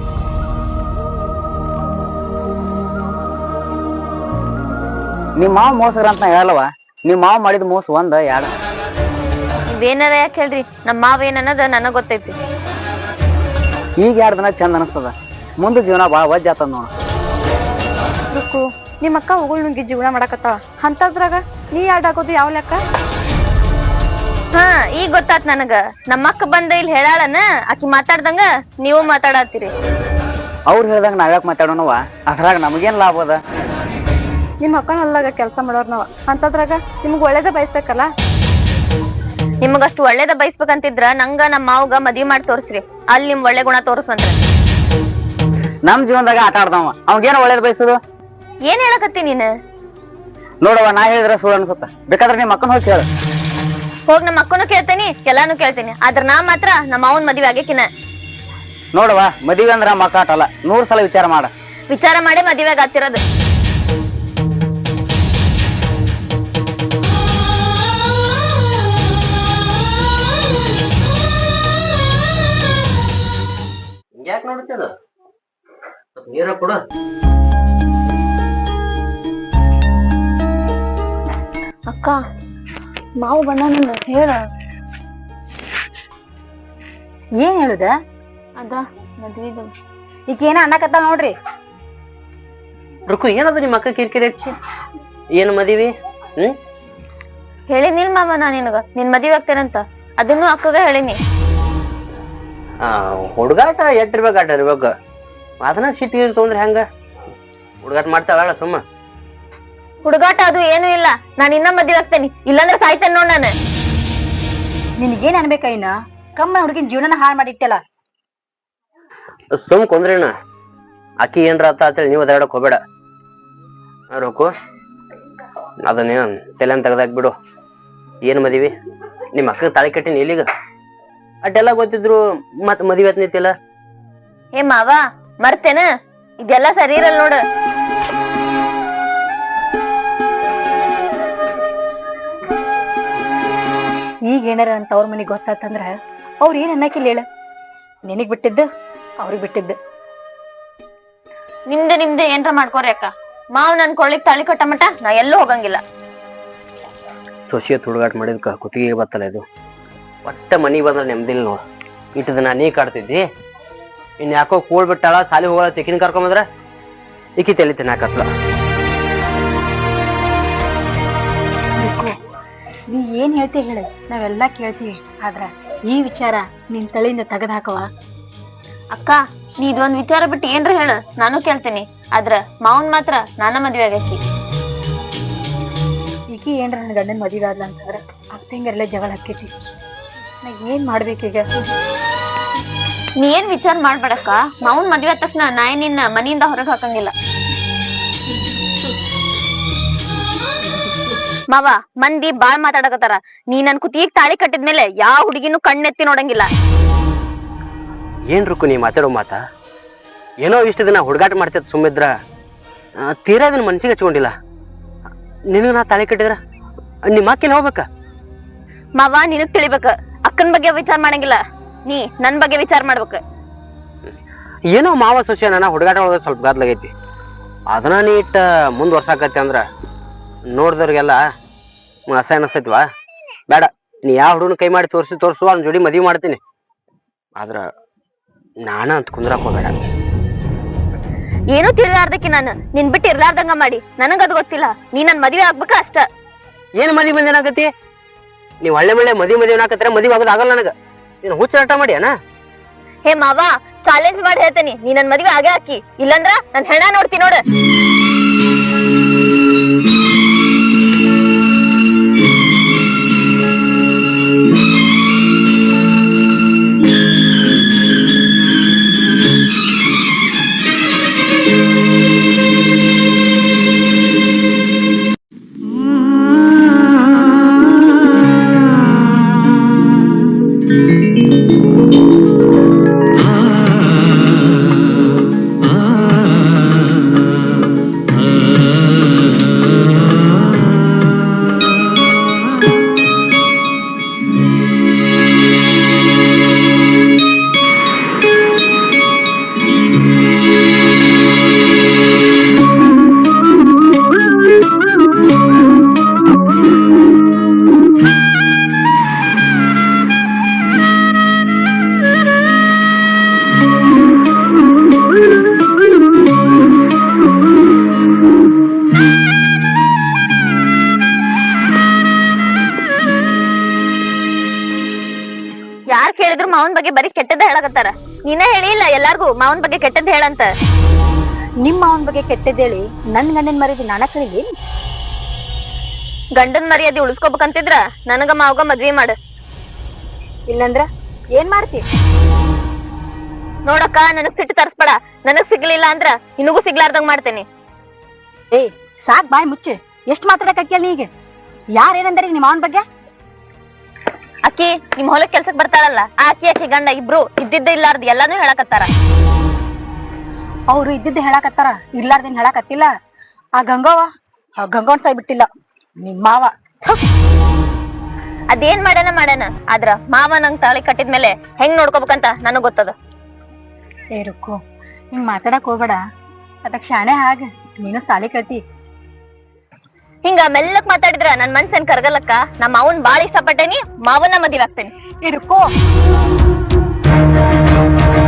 [SPEAKER 3] ನಿಮ್ ಮಾವ ಮೋಸರ ಅಂತ ಹೇಳಲ್ವ? ನಿಮ್ ಮಾವ ಮಾಡಿದ ಮೋಸ ಒಂದ ಯಾಡ?
[SPEAKER 2] ನೀವೇನಾರ ಯಾಕೆ ಹೇಳ್ರಿ, ನಮ್ಮ ಮಾವ ಏನ್ ಅನ್ನೋದ ನನಗ್ ಗೊತ್ತೈತಿ.
[SPEAKER 3] ಈಗ ಎರಡ್ ದಿನ ಚಂದ ಅನಸ್ತದ, ಮುಂದೆ ಜೀವನ ಬಾಳ ವಜ್ಜ ಆತದ ನೋಡ.
[SPEAKER 1] ರುಕ್ಕು, ನಿಮ್ಮ ಅಕ್ಕ ಉಗುಳ್ ನುಂಗಿ ಜೀವನ ಮಾಡಕತ್ತಾಳ, ಅಂತದ್ರಾಗ ನೀ ಎರಡ್ ಆಗೋದು ಯಾವ ಲೆಕ್ಕ?
[SPEAKER 2] ಹಾ, ಈಗ ಗೊತ್ತಾತ್ ನನಗ. ನಮ್ಮ ಅಕ್ಕ ಬಂದ ಇಲ್ಲಿ ಹೇಳಾಳನ, ಆಕಿ ಮಾತಾಡ್ದಂಗ ನೀವು ಮಾತಾಡತ್ತೀರಿ.
[SPEAKER 3] ಅವ್ರು ಹೇಳ್ದಂಗ ನಾವ್ಯಾಕ ಮಾತಾಡೋಣವ? ಅದ್ರಾಗ ನಮಗೇನ್ ಲಾಭ ಅದ?
[SPEAKER 1] ನಿಮ್ ಅಕ್ಕನ ಹೊಲ್ದಾಗ ಕೆಲ್ಸ ಮಾಡೋರ್ ನಾವ, ಅಂತದ್ರಾಗ ನಿಮ್ಗ್ ಒಳ್ಳೇದ ಬಯಸ್ಬೇಕಲ್ಲ.
[SPEAKER 2] ನಿಮಗಷ್ಟು ಒಳ್ಳೇದ ಬಯಸ್ಬೇಕಂತಿದ್ರ ನಂಗ ನಮ್ಮ ಮಾವಗ ಮದ್ವಿ ಮಾಡಿ ತೋರ್ಸ್ರಿ, ಅಲ್ಲಿ ನಿಮ್ ಒಳ್ಳೆ ಗುಣ ತೋರ್ಸ್ವಂದ್ರ.
[SPEAKER 3] ನಮ್ ಜೀವನದಾಗ ಆಟ ಆಡ್ದವ, ಅವಾಗೇನ ಒಳ್ಳೇದ್ ಬಯಸುದು?
[SPEAKER 2] ಏನ್ ಹೇಳಕತ್ತಿ ನೀನ್?
[SPEAKER 3] ನೋಡವ, ನಾ ಹೇಳಿದ್ರೆ ಸುಳ್ಳು ಅನ್ಸುತ್ತ, ಬೇಕಾದ್ರೆ ನಿಮ್ ಅಕ್ಕನ ಹೋಗಿ ಹೇಳ.
[SPEAKER 2] ಹೋಗ್ ನಮ್ಮ ಅಕ್ಕನು ಕೇಳ್ತೇನಿ, ಎಲ್ಲಾನು ಕೇಳ್ತೇನಿ, ಆದ್ರ ನಾ ಮಾತ್ರ ನಮ್ಮ ಮಾವನ್ ಮದ್ವೆ ಆಗೇಕಿನ.
[SPEAKER 5] ನೋಡುವ ಮದುವೆ ಅಂದ್ರ ಮಕ್ಕಾಟಲ್ಲ, ನೂರ್ ಸಲ ವಿಚಾರ ಮಾಡ.
[SPEAKER 2] ವಿಚಾರ ಮಾಡಿ ಮದುವೆಗೆ ಆಗ್ತಿರೋದು.
[SPEAKER 3] ಯಾಕೆ ನೋಡ್ತದ ನೀರ ಕೊಡ.
[SPEAKER 2] ಅಕ್ಕ ಮಾವು ಬಣ್ಣ ಹೇಳ.
[SPEAKER 1] ಏನ್ ಹೇಳುದ?
[SPEAKER 2] ಅದ ಮದ್ವಿದ
[SPEAKER 1] ಈಗ ಏನ ಅನ್ನಕತ್ತ ನೋಡ್ರಿ.
[SPEAKER 3] ರುಕು ಏನದ ನಿಮ್ಮ ಅಕ್ಕ ಕಿರಿಕಿರಿ ಹಚ್ಚಿ? ಏನ್ ಮದಿವಿ? ಹ್ಮ್
[SPEAKER 2] ಹೇಳಿನಿಲ್ ಮಾವ ನಾ ನಿನಗ ನಿನ್ ಮದ್ವೆ ಆಗ್ತೇನಂತ. ಅದನ್ನು ಅಕ್ಕಗ ಹೇಳಿನಿ.
[SPEAKER 3] ಆ ಹುಡುಗಾಟ ಎಟ್ಟಿರ್ಬೇಕು ಆಟ ಇರ್ಬೇಕು. ಅದನ್ನ ಸಿಟಿ ತೊಂದ್ರೆ ಹೆಂಗ? ಹುಡುಗಾಟ ಮಾಡ್ತಾಳ ಸುಮ್ಮ.
[SPEAKER 2] ಹುಡುಗಾಟ ಅದು ಏನು ಇಲ್ಲ. ನಾನ್ ಇನ್ನ ಮದ್ವೆ ಆಗ್ತೇನಿ, ಇಲ್ಲಾಂದ್ರೆ ಸಾಯ್ತೇನೆ ನೋಡ್ ನಾನು.
[SPEAKER 1] ನಿನಗೇನ್ ಅನ್ಬೇಕ ಇನ್ನ? ಕಮ್ಮ ಹುಡುಗಿನ ಜೀವನನ ಹಾಳು ಮಾಡಿಟ್ಟಲ್ಲ.
[SPEAKER 3] ಸುಮ್ ಕೊಂದ್ರಿನ ಅಕ್ಕಿ ಏನ್ರ ಆತ ಅಂತೇಳಿ ನೀವು ಅದಾಡಕ್ ಹೋಗ್ಬೇಡ. ರೋಕು ಅದನ್ನೇನ್ ತಲೆನ್ ತೆಗ್ದಾಕ್ ಬಿಡು. ಏನ್ ಮದಿವಿ? ನಿಮ್ ಅಕ್ಕ ತಾಳಿ ಕಟ್ಟಿನಿ ಇಲ್ಲಿಗ ಅಟ್ಟೆಲ್ಲ ಗೊತ್ತಿದ್ರು ಮತ್ ಮದ್ವಿ ಆತ್ ನಿಂತಿಲ್ಲ.
[SPEAKER 2] ಏ ಮಾವ ಮರ್ತೇನ? ಇದೆಲ್ಲ ಸರಿ ಇರಲ್ಲ ನೋಡು.
[SPEAKER 1] ಈಗ ಏನಾರ ಅಂತ ಅವ್ರ ಮನಿಗ್ ಗೊತ್ತಾತಂದ್ರ ಅವ್ರ ಏನ್ ಅನ್ನಕಿಲ್ಲ ಹೇಳ. ನಿನಗ್ ಬಿಟ್ಟಿದ್ದು ಅವ್ರಿಗೆ ಬಿಟ್ಟಿದ್ದು.
[SPEAKER 2] ನಿಮ್ದು ನಿಮ್ದು ಏನ್ರ ಮಾಡ್ಕೋರಿ ಅಕ್ಕ. ಮಾವ್ ನನ್ ಕೊಳ್ಳಿಗ್ ತಾಳಿ ಕಟ್ಟ ಮಟ ನಾ ಎಲ್ಲೂ ಹೋಗಂಗಿಲ್ಲ.
[SPEAKER 3] ಸೊಸಿಯತ್ ಹುಡುಗಾಟ ಮಾಡಿದ್ಕ ಕುತ್ತಿಗೆ ಬತ್ತಲ್ಲ ಇದು. ಒಟ್ಟ ಮನಿಗ್ ಬಂದ್ರ ನೆಮ್ಮದಿಲ್ಲ ನೋಡ್. ಇಟ್ಟು ದಿನ ನೀ ಕಾಡ್ತಿದ್ದಿ, ಇನ್ ಯಾಕೋ ಕೂಳ್ ಬಿಟ್ಟಾಳ ಸಾಲಿ ಹೋಗಳ ತೆಕಿನ ಕರ್ಕೊಂಬಂದ್ರ ಇಕ್ಕಿ ತಲಿ ತಿನ್ನಾಕತ್ಲ.
[SPEAKER 1] ನೀ ಏನ್ ಹೇಳ್ತಿ ಹೇಳ, ನಾವೆಲ್ಲಾ ಕೇಳ್ತೀವಿ. ಆದ್ರ ಈ ವಿಚಾರ ನಿನ್ ತಲೆಯಿಂದ ತೆಗದ್ ಹಾಕವ.
[SPEAKER 2] ಅಕ್ಕ ನೀ ಇದೊಂದ್ ವಿಚಾರ ಬಿಟ್ಟು ಏನ್ರ ಹೇಳ, ನಾನು ಕೇಳ್ತೀನಿ. ಆದ್ರ ಮಾವನ್ ಮಾತ್ರ ನಾನ ಮದ್ವೆ ಆಗೈತಿ.
[SPEAKER 1] ಈಕಿ ಏನ್ರ ನನ್ ಗಂಡನ್ ಮದುವೆ ಆದ್ಲ ಅಂತಂದ್ರ ಅಕ್ಕಂಗೆಲ್ಲ ಜಗಳ ಹಾಕೈತಿ. ನಾ ಏನ್ ಮಾಡ್ಬೇಕೀಗ?
[SPEAKER 2] ನೀ ಏನ್ ವಿಚಾರ ಮಾಡ್ಬೇಡಕ್ಕ. ಮಾವನ್ ಮದ್ವೆ ಆದ ತಕ್ಷಣ ನಾ ನಿನ್ನ ಮನಿಯಿಂದ ಹೊರಗ್ ಹಾಕಂಗಿಲ್ಲ. ಮಾವ ಮಂದಿ ಬಾಳ್ ಮಾತಾಡಕತ್ತಾರ. ನೀ ನನ್ ಕುತ್ತಿಗೆ ತಾಳಿ ಕಟ್ಟಿದ್ಮೇಲೆ ಯಾವ ಹುಡುಗಿನೂ ಕಣ್ಣೆತ್ತಿ ನೋಡಂಗಿಲ್ಲ.
[SPEAKER 3] ಏನ್ ರುಕು ನೀ ಮಾತಾಡೋ ಮಾತ? ಏನೋ ಇಷ್ಟು ದಿನ ಹುಡುಗಾಟ ಮಾಡ್ತಿದ್ ಸುಮ್ಮಿದ್ರ ತೀರಾ ಅದನ್ನ ಮನ್ಸಿಗೆ ಹಚ್ಕೊಂಡಿಲ್ಲ. ನಿನಗ ನಾ ತಾಳಿ ಕಟ್ಟಿದ್ರ ನಿಮ್ಮ ಅಕ್ಕಿನ ಹೋಗ್ಬೇಕ?
[SPEAKER 2] ಮಾವ ನಿನಗ್ ತಿಳಿಬೇಕ. ಅಕ್ಕನ್ ಬಗ್ಗೆ ವಿಚಾರ ಮಾಡಂಗಿಲ್ಲ, ನೀ ನನ್ ಬಗ್ಗೆ ವಿಚಾರ ಮಾಡ್ಬೇಕ.
[SPEAKER 3] ಏನೋ ಮಾವ ಸೊಸೆ ನನ್ನ ಹುಡುಗಾಟ ಒಳಗ ಸ್ವಲ್ಪ ಗಾದ್ಲಾಗೈತಿ. ಅದನ್ನ ನೀ ಇಟ್ಟ ಮುಂದ್ವರ್ಸಾಕತಿ ಅಂದ್ರ ನೋಡ್ದವ್ರಿಗೆಲ್ಲ ಅಸಹ್ಯ ಅನಸ್ತೈತಿವಾ? ಬೇಡ, ನೀ ಯಾವ ಹುಡುಗನ ಕೈ ಮಾಡಿ ತೋರಿಸಿ ತೋರ್ಸು ಅವ್ನ ಜೋಡಿ ಮದ್ವಿ ಮಾಡ್ತೀನಿ. ಆದ್ರ ನಾನ ಅಂತ ಕುಂದ್ರಾಕ್ ಹೋಗ್ಬೇಡ.
[SPEAKER 2] ಏನೂ ತಿಳಿಲಾರ್ದಕ್ಕೆ ನಾನು ನಿನ್ ಬಿಟ್ಟು ಇರ್ಲಾರ್ದಂಗ ಮಾಡಿ ನನಗದು ಗೊತ್ತಿಲ್ಲ. ನೀ ನನ್ ಮದ್ವೆ ಆಗ್ಬೇಕ ಅಷ್ಟ.
[SPEAKER 3] ಏನ್ ಮದ್ವಿ ಮಂದಿ ಏನಾಗತಿ? ನೀವ್ ಒಳ್ಳೆ ಮಳೆ ಮದ್ವಿ ಮದ್ವಿ ಹಾಕತ್ರ ಮದ್ವಿ ಆಗೋದ್ ಆಗಲ್ಲ ನನಗ. ನೀನ್ ಹುಚ್ಚಾಟ ಮಾಡಿ ಅನ?
[SPEAKER 2] ಹೇ ಮಾವ ಚಾಲೆಂಜ್ ಮಾಡಿ ಹೇಳ್ತೇನಿ, ನೀ ನನ್ ಮದ್ವೆ ಆಗೇ ಹಾಕಿ, ಇಲ್ಲಂದ್ರ ನನ್ ಹೆಣ ನೋಡ್ತಿ ನೋಡ. ಯಾರ್ ಕೇಳಿದ್ರು ಮಾವನ್ ಬಗ್ಗೆ ಬರೀ ಕೆಟ್ಟದ ಹೇಳಕತ್ತಾರ. ನೀನ ಹೇಳಿ ಇಲ್ಲ ಎಲ್ಲಾರ್ಗು ಮಾವನ್ ಬಗ್ಗೆ ಕೆಟ್ಟದ್ ಹೇಳಂತ.
[SPEAKER 1] ನಿಮ್ಮ ಅವನ ಬಗ್ಗೆ ಕೆಟ್ಟದೇಳಿ ನನ್ ಗಂಡನ್ ಮರ್ಯಾದೆ ನಾನ ಕಳಿಗೆ.
[SPEAKER 2] ಗಂಡನ್ ಮರ್ಯಾದೆ ಉಳಿಸ್ಕೋಬೇಕಂತಿದ್ರ ನನಗ ಮಾವಗ ಮದ್ವಿ ಮಾಡ.
[SPEAKER 1] ಇಲ್ಲಂದ್ರ ಏನ್ ಮಾಡ್ತಿ?
[SPEAKER 2] ನೋಡಕ್ಕ ನನಗ್ ಸಿಟ್ಟು ತರ್ಸ್ಬೇಡ. ನನಗ್ ಸಿಗ್ಲಿಲ್ಲ ಅಂದ್ರ ನಿನಗೂ ಸಿಗ್ಲಾರ್ದಂಗ್ ಮಾಡ್ತೇನಿ.
[SPEAKER 1] ಏ ಸಾಕ್ ಬಾಯ್ ಮುಚ್ಚೆ. ಎಷ್ಟ್ ಮಾತಾಡಕ್ ನೀ ಈಗ? ಯಾರೇನಂದ್ರಿ ನಿಮ್ಮ ಅವನ ಬಗ್ಗೆ?
[SPEAKER 2] ಅಕ್ಕಿ ನಿಮ್ ಹೊಲಕ್ ಕೆಲ್ಸಕ್ ಬರ್ತಾಳಲ್ಲ ಆ ಅಕ್ಕಿ ಅಕ್ಕಿ ಗಂಡ ಇಬ್ರು ಇದ್ದಿದ್ದ ಇಲ್ಲಾರ್ದ ಎಲ್ಲಾನು ಹೇಳಕತ್ತಾರ.
[SPEAKER 1] ಅವ್ರು ಇದ್ದಿದ್ದು ಹೇಳಾಕತ್ತಾರ, ಇಲ್ಲಾರ್ದೇನ್ ಹೇಳಾಕತ್ತಿಲ್ಲ. ಆ ಗಂಗವ್ವ ಆ ಗಂಗವನ್ ಸಾಯ್ ಬಿಟ್ಟಿಲ್ಲ ನಿಮ್ ಮಾವ.
[SPEAKER 2] ಅದೇನ್ ಮಾಡ್ಯಾನ ಮಾಡ್ಯಾನ ಆದ್ರ ಮಾವ ನಂಗ್ ತಾಳಿ ಕಟ್ಟಿದ್ಮೇಲೆ ಹೆಂಗ್ ನೋಡ್ಕೋಬೇಕಂತ ನನಗ್ ಗೊತ್ತದ.
[SPEAKER 1] ಏ ರುಕ್ಕು, ಹಿಂಗ್ ಮಾತಾಡಕ್ ಹೋಗ್ಬೇಡ. ಅದಕ್ ಶಾಣೆ ಹಾಗ ನೀನು ಸಾಲಿ ಕಲ್ತಿ.
[SPEAKER 2] ಹಿಂಗ ಮೆಲ್ಲಕ್ ಮಾತಾಡಿದ್ರ ನನ್ ಮನ್ಸೇನ್ ಕರ್ಗಲಕ್ಕ. ನಮ್ಮ ಮಾವನ್ ಬಾಳ ಇಷ್ಟಪಟ್ಟೇನಿ, ಮಾವನ ಮದ್ವೆ ಆಗ್ತೇನಿ.
[SPEAKER 1] ಏ ರುಕ್ಕು